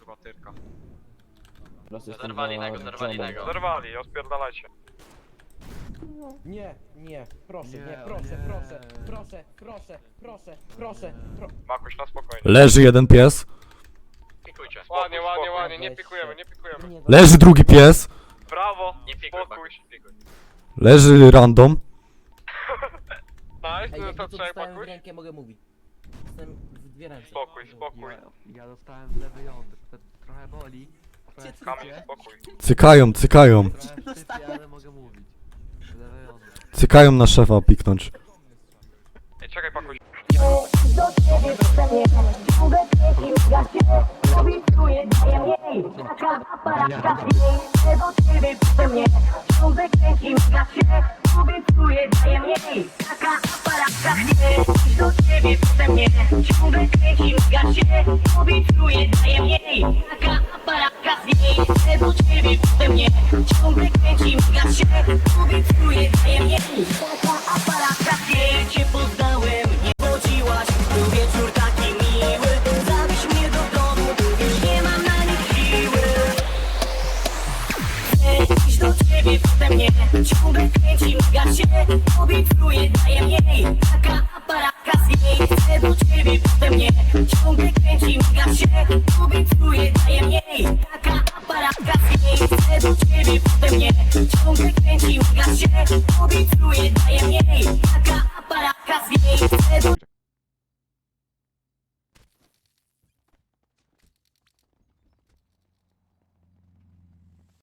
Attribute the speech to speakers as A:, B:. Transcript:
A: kurwa, tyrka.
B: Zerwali innego.
A: Zerwali, ospierdalajcie.
C: Nie, nie, proszę,
D: Nie,
C: nie,
D: o
C: proszę,
D: nie.
C: proszę, proszę, proszę, proszę, proszę,
A: Makuś na spokojnie.
E: Leży jeden pies.
B: Pikujcie.
A: Ładnie, ładnie, ładnie, nie
C: Weź
A: pikujemy,
C: się.
A: nie pikujemy.
C: Nie,
E: Leży drugi pies.
A: Brawo,
B: Nie pikuj,
A: spokój.
B: Bakuś, pikuj.
E: Leży random.
A: Nice,
C: Ej,
A: no
C: jak
A: to
C: to
A: trzeba
C: dostałem w
A: Bakuś.
C: rękę, mogę mówić. Jestem w dwie ręce.
A: Spokój, spokój.
D: Ja dostałem w lewy jądr, to trochę boli. Trochę
A: Kamil,
D: szczypie,
A: spokój.
E: Cykają, cykają.
D: trochę szczypie, ale mogę mówić. Lewe jądro.
E: Cykają na szefa piknąć.
A: Ej, czekaj, Bakuś.
F: Do ciebie wrzucę mnie, ciągle kręci gacie, obiecuję, daję mniej, taka aparatka zniej, do ciebie wrzucę mnie, ciągle kręci gacie, obiecuję, daję mniej, taka aparatka zniej, do ciebie wrzucę mnie, ciągle kręci gacie, obiecuję, daję mniej, taka aparatka zniej, do ciebie wrzucę mnie, ciągle kręci gacie, obiecuję, daję mniej, taka aparatka zniej, cię poznałem, nie chodziłaś, był wieczór taki miły, zawieź mnie do domu, już nie mam na nich siły. Chcę iść do ciebie, potem mnie, ciągle kręci gasie, obiecuję, daję mniej, taka aparatka z niej. Chcę do ciebie, potem mnie, ciągle kręci gasie, obiecuję, daję mniej, taka aparatka z niej. Chcę do ciebie, potem mnie, ciągle kręci gasie, obiecuję, daję mniej, taka aparatka z niej. Chcę do